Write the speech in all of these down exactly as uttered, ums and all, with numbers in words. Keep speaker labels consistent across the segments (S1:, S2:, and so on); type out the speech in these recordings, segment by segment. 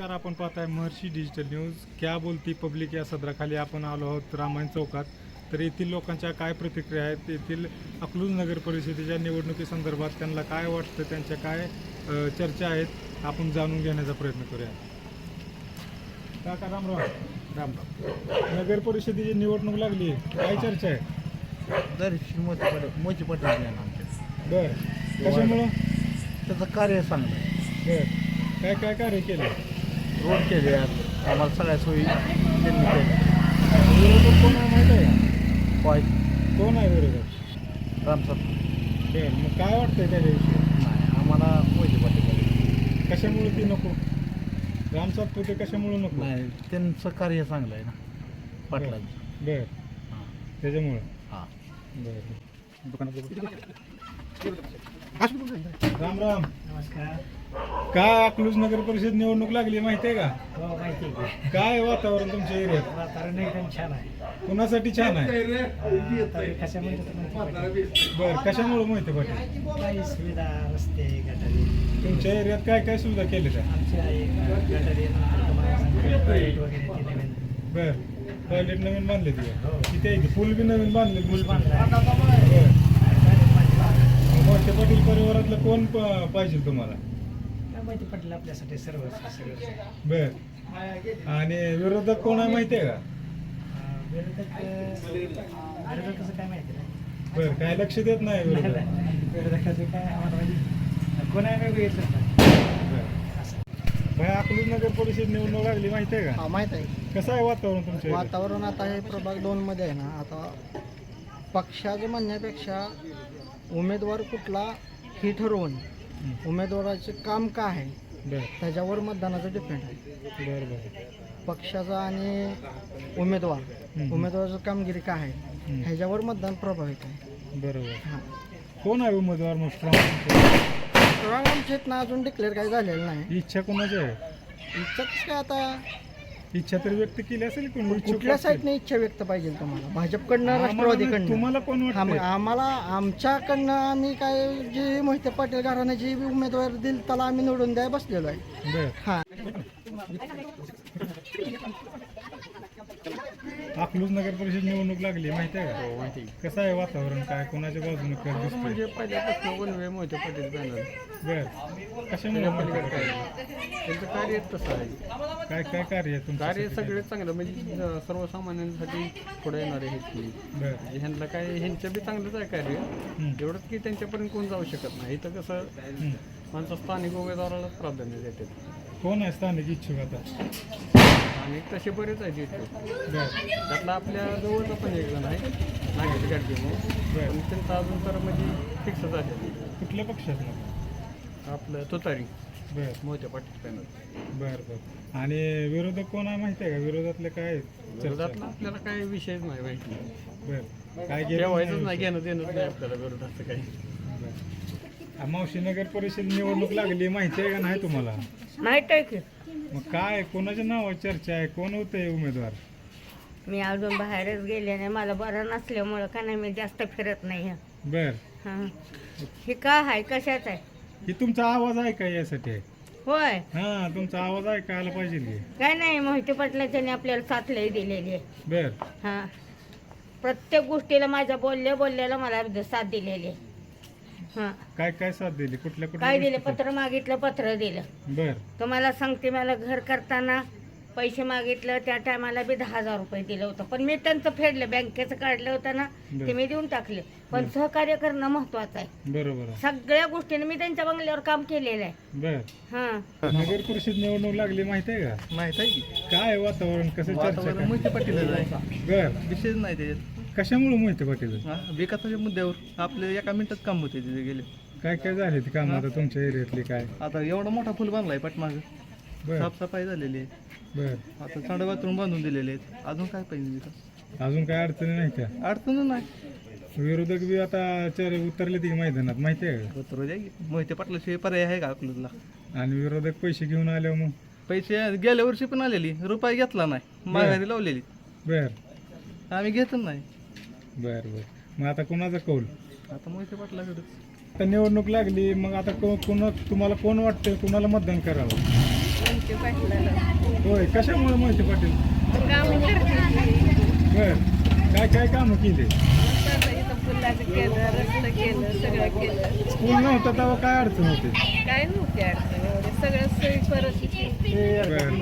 S1: नमस्कार, आपण पाहताय महर्षी डिजिटल न्यूज. क्या बोलती पब्लिक या सदराखाली आपण आलो आहोत रामायण चौकात. तर येथील लोकांच्या काय प्रतिक्रिया आहेत, येथील अकलूज नगर परिषदेच्या निवडणुकीसंदर्भात त्यांना काय वाटतं, त्यांच्या काय अ, चर्चा आहेत, आपण जाणून घेण्याचा प्रयत्न करूया. काका रामराव. रामराव. नगर परिषदेची निवडणूक लागली, काय चर्चा आहे?
S2: दर्शन मोठी पटेल मोठी पटेल आमच्या
S1: बरं, कशामुळं?
S2: त्याचं कार्य चांगलं आहे.
S1: बरं, काय काय कार्य केलं?
S2: रोड केले आहेत, आम्हाला सगळ्या सोयी त्यांनी केल्या.
S1: विरोधक कोण आहे माहीत आहे का?
S2: पाय
S1: कोण आहे विरोधक?
S2: रामसर
S1: बरं, मग काय वाटतंय त्याच्याविषयी?
S2: नाही, आम्हाला मोठी पटेल
S1: कशामुळे ती नको? राम सातपुते कशामुळे नको?
S2: नाही, त्यांचं कार्य चांगलं आहे ना पाटलांचं.
S1: बर,
S2: हां
S1: त्याच्यामुळं.
S2: हां
S1: बर, राम राम.
S3: नमस्कार.
S1: काय अकलूज नगर परिषद निवडणूक लागली माहिती आहे का?
S3: हो, माहिती आहे.
S1: काय वातावरण तुमच्या एरियात?
S3: वातावरण एकदम छान आहे.
S1: कुणासाठी छान आहे?
S3: आता कशामुळे तर माहिती पडेल.
S1: बर, कशामुळे माहिती पाटील?
S3: काही सुविधा, रस्ते, गटारी.
S1: तुमच्या एरियात काय काय सुविधा केल्या त्या?
S3: आमच्या एक गटारी नंतर तुम्हाला सांगतो टॉयलेट वगैरे ते नवीन.
S1: बर, टॉयलेट नवीन बांधले ती?
S3: हो.
S1: किती आहे? पूल बी नवीन बांधले?
S3: पूल बांधला आहे.
S1: बर,
S3: टॉयलेट बांधला.
S1: मोठे पाटील परिवारातलं कोण प- पाहिजे तुम्हाला?
S3: काय माहिती पडलं आपल्यासाठी सर्व सगळं.
S1: बर, आणि विरोधक कोण आहे माहिती आहे का?
S3: विरोधक विरोधकाचं काय माहिती नाही.
S1: बर, काय लक्ष देत नाही विरोधक?
S3: विरोधकाचं काय आम्हाला माहिती कोण आहे वेगळं येतच नाही.
S1: भाई, अकलूज नगर परिषद निवडणूक लागली माहिती आहे का?
S4: हा, माहीत आहे.
S1: कसं आहे वातावरण तुमच्या इथे?
S4: वातावरण आता हे प्रभाग दोन मध्ये आहे ना, आता पक्षाचं म्हणण्यापेक्षा उमेदवार कुठला हे ठरवून उमेदवाराचे काम काय आहे
S1: बर
S4: त्याच्यावर मतदानाचं डिपेंड आहे.
S1: बर बर
S4: पक्षाचा आणि उमेदवार
S1: हम्म.
S4: उमेदवाराचं कामगिरी काय आहे
S1: हम्म.
S4: ह्याच्यावर मतदान प्रभावित आहे.
S1: बरोबर.
S4: हां,
S1: कोण आहे उमेदवार मग strong?
S4: तर आमच्या इथनं अजून डिक्लेअर काही झालेलं नाही.
S1: इच्छा कोणाची आहे?
S4: इच्छाच काय आता
S1: इच्छा तर व्यक्त केली असेल कोण इच्छुक
S4: कुठल्या
S1: असेल?
S4: साईडने इच्छा व्यक्त पाहिजे तुम्हाला? भाजपकडनं,
S1: आम्हाला नाही,
S4: राष्ट्रवादीकडनं?
S1: तुम्हाला कोण
S4: हा, मग
S1: वाटतं?
S4: आम्हाला आमच्याकडनं आम्ही काय जी मोहिते पाटील घराणे जी उमेदवार दिल त्याला आम्ही निवडून द्याय बसलेलो आहे.
S1: बर,
S4: हा,
S1: अकलूज नगर परिषद निवडणूक लागली माहिती आहे का?
S2: माहिती
S1: कसं आहे वातावरण? काय कोणाच्या बाजूने कर दिसतंय?
S2: म्हणजे पहिल्यापासून वनवे मोठे पटेल पॅनल
S1: बर, कशामुळे मोहिते पाटील?
S2: त्यांचं कार्य तसं आहे.
S1: काय काय कार्य आहे तुमचं?
S2: कार्य सगळे चांगलं म्हणजे अं, सर्वसामान्यांसाठी पुढे येणारे आहेत की
S1: बर,
S2: ह्यांना काय ह्यांचं बी चांगलंच आहे कार्य.
S1: हम्म.
S2: एवढंच की त्यांच्यापर्यंत कोण जाऊ शकत नाही. इथं कसं
S1: हम्म.
S2: माणसं स्थानिक उमेदवारालाच प्राधान्य देतात
S1: कोण आहे स्थानिक इच्छुक आता?
S2: आणि तसे बरेच आहेत इथे.
S1: बर,
S2: त्यातला आपल्या जवळचा पण एक जण आहे नागेश गाडगे म्हणून,
S1: बर.
S2: पण त्यांचं अजून तर म्हणजे फिक्स झाले.
S1: कुठल्या पक्षात मग?
S2: आपलं तुतारी
S1: बर
S2: मोठ्या पाटील पॅनल.
S1: बर बर, आणि विरोधक कोण आहे माहिती आहे का? विरोधातले काय आहेत चर्चा?
S2: विरोधातला आपल्याला काही विषयच नाही माहिती.
S1: बर, काय गेलं
S2: ठेवायचंच नाही, घेणं देणंच नाही आपल्याला विरोधाचं काही.
S1: बर. मावशी नगर परिषद निवडणूक लागली माहिती आहे का नाही तुम्हाला?
S5: माहित आहे की
S1: मग काय कोणाच्या नावावर चर्चा आहे? कोण होते उमेदवार?
S5: मी अजून बाहेरच गेले नाही, मला बरं नसल्यामुळं का नाही मी जास्त फिरत नाही.
S1: बर,
S5: हां, हे काय आहे, कशाच आहे?
S1: ही तुमचा आवाज आहे का यासाठी आहे?
S5: होय,
S1: हा, तुमचा आवाज ऐकायला पाहिजे की.
S5: काय नाही, मोहिते पाटलाच्याने आपल्याला साथ लई दिलेली आहे.
S1: बर,
S5: हां, प्रत्येक गोष्टीला माझ्या बोलल्या बोलल्याला मला साथ दिलेली आहे. हां,
S1: काय काय साथ दिली? कुठल्या कुठल्या
S5: काय दिलं?
S1: गोष्टी?
S5: पत्र मागितलं, पत्र दिलं.
S1: बर,
S5: तुम्हाला सांगते, मला घर करताना पैसे मागितलं, त्या टायमाला बी दहा हजार रुपये दिलं होतं, पण मी त्यांचं फेडलं, बँकेचं काढलं होतं ना, ते मी देऊन टाकले. पण सहकार्य करणं महत्वाचं आहे.
S1: बरोबर आहे.
S5: सगळ्या गोष्टीने मी त्यांच्या बंगल्यावर काम केलेलं आहे.
S1: बर,
S5: हां,
S1: नगर परिषद निवडणूक लागली माहिती आहे का?
S2: माहित आहे की
S1: काय वातावरण, कसं चर्चा
S2: वातावरण
S1: काय?
S2: मोठे पाटीलच आहे.
S1: बर,
S2: विषयच नाही त्याच्यात.
S1: कशामुळे मोहिते पाटील?
S2: हा, विकासाच्या मुद्द्यावर आपले एका मिनिटात काम होते तिथे गेले.
S1: काय काय झाले ती कामं आता तुमच्या एरियातली? काय?
S2: आता एवढा मोठा फुल बांधलाय पाठमाग,
S1: बर
S2: साफसफाई झालेली आहे.
S1: बर,
S2: आता चांड बाथरूम बांधून दिलेले आहेत. अजून काय पाहिजे विकास?
S1: अजून काय अडचणी नाही त्या?
S2: अडचण नाही.
S1: विरोधक बी आता चर उतरले ती मैदानात माहिती आहे का?
S2: उतरू द्या की. मोहिते पाटलाशिवाय पर्याय आहे का आपल्याला?
S1: आणि विरोधक पैसे घेऊन आल्यावर मग?
S2: पैसे गेल्या वर्षी पण आलेली, रुपये घेतला नाही, माघारी लावलेली.
S1: बर
S2: आम्ही घेतच नाही.
S1: बर बर, मग आता कोणाचा कौल?
S2: आता मोहिते पाटलाकडे
S1: आता निवडणूक लागली, मग आता को- कोण तुम्हाला कोण वाटतंय कुणाला मतदान करावं?
S6: मोहिते पाटलाला
S1: होय कशामुळे मोहिते पाटील
S6: काम करते
S1: बर काय काय कामं केले
S6: इथं पुलाचं केलं रस्तं केलं सगळं केलं
S1: स्कूल नव्हतं तेव्हा काय अडचण होती
S6: काय नव्हती अडचण एवढे सगळं सोयी करत होती
S1: बर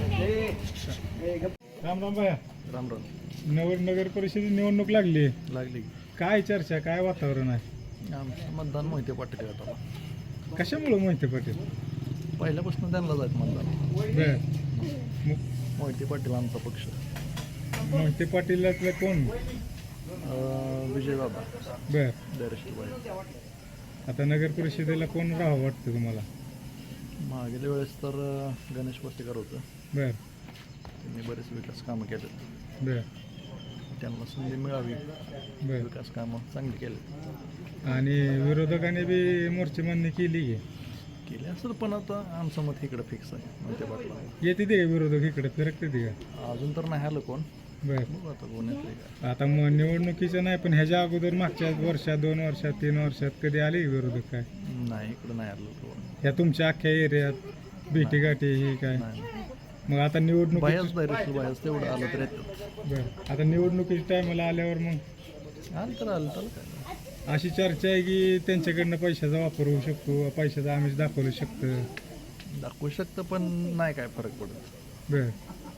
S1: राम राम बाया
S2: राम राम
S1: नगर नगर परिषदेची निवडणूक लागली
S2: लागली
S1: काय चर्चा काय वातावरण आहे
S2: आमचं मतदान मोहिते पाटील गटाला
S1: कशामुळे मोहिते पाटील
S2: पहिल्यापासून त्यांना जायचं मतदान
S1: बर मग
S2: मोहिते पाटील आमचा पक्ष
S1: मोहिते पाटीलातलं कोण
S2: अं, विजयबाबा
S1: बर
S2: दरेश्वरबाई
S1: आता नगर परिषदेला कोण राहावं वाटतं तुम्हाला
S2: मागील वेळेस तर अं, गणेश वस्तीकर होतं
S1: बर
S2: त्यांनी बरेच विकास कामं केले
S1: बर
S2: त्यांना संधी मिळावी
S1: बर
S2: विकास कामं चांगली केले
S1: आणि विरोधकांनी बी मोर्चे मान्य केली की
S2: केले असं पण आता आमचं मत इकडं फिक्स आहे मोहिते पाटला
S1: येते ते का विरोधक इकडे फिरकते ते का
S2: अजून तर नाही आलं कोण
S1: बर
S2: बघू आता कोण येते काय
S1: आता मग निवडणुकीचं नाही पण ह्याच्या अगोदर मागच्या वर्षात दोन वर्षात तीन वर्षात कधी आले का विरोधक काय
S2: नाही इकडं नाही आलं कोण
S1: ह्या तुमच्या अख्ख्या एरियात भेटी गाठी ही काय
S2: नाही
S1: मग आता निवडणूक
S2: बायाच डायरेक्ट बायाच तेवढं आलं तर येतात
S1: बर आता निवडणुकीच्या टायमाला आल्यावर मग
S2: आलं तर आलं तर काय
S1: अशी चर्चा आहे की त्यांच्याकडनं पैशाचा वापर होऊ शकतो पैशाचा आमिष दाखवू शकतं
S2: दाखवू शकतं पण नाही काय फरक पडत
S1: बर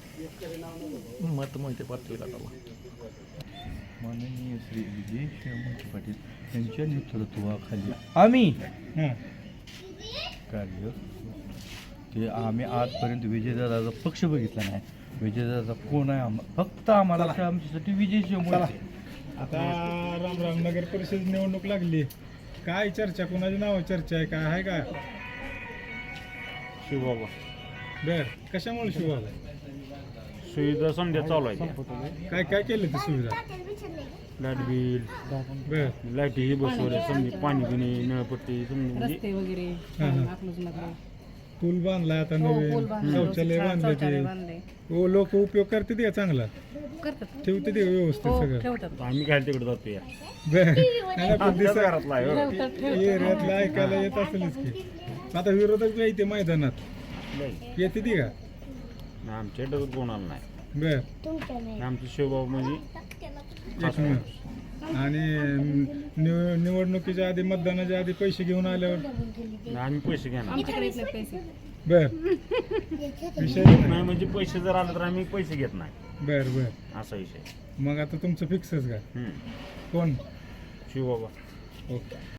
S2: मत मोहिते पाटील गटाला
S7: माननीय श्री विजय मोहिते पाटील यांच्या नेतृत्वाखाली आम्ही
S1: हां
S7: कार्य ते आम्ही आजपर्यंत विजयदादाचा पक्ष बघितला नाही विजयदादा कोण आहे आम फक्त आम्हाला आमच्यासाठी विजय मोहिते
S1: आता राम राम नगर परिषद निवडणूक लागली काय चर्चा कोणाची नाव चर्चा आहे काय आहे का
S8: शिवबाबा
S1: बर कशामुळे शिवाय
S8: सुविधा समजा चालू आहे
S1: काय काय केलं ते सुविधा
S8: लाईट बिल
S1: बर
S8: लाईटी बसवल्या समजा पाणी पिणे नळपट्टी समजा म्हणजे
S6: वगैरे
S1: हां हां पूल बांधला आता नवीन शौचालय बांधले ते हो लोक उपयोग करते ते का चांगला ठेवते ते व्यवस्थित सगळं
S8: आम्ही काय तिकडे जातो या
S1: बर नाही, पण दिसा-
S8: घरातला आहे हो.
S1: एरियातलं ऐकायला येत असेलच की आता विरोधक बी आहे ते मैदानात
S8: नाही.
S1: येते ती का
S8: नाही, आमच्या डोक्यात कोणाला नाही
S1: बर
S8: आमचं शिवबाबा म्हणजे
S1: एक मिनिट आणि निव- निवडणुकीच्या आधी मतदानाच्या आधी पैसे घेऊन आल्यावर
S8: नाही, आम्ही पैसे घेणार
S1: बर विषय नाही.
S8: नाही म्हणजे पैसे जर आले तर आम्ही पैसे घेत नाही
S1: बर बर
S8: असा विषय
S1: मग आता तुमचं फिक्सच का
S8: हम्म.
S1: कोण
S8: शिवबाबा
S1: ओके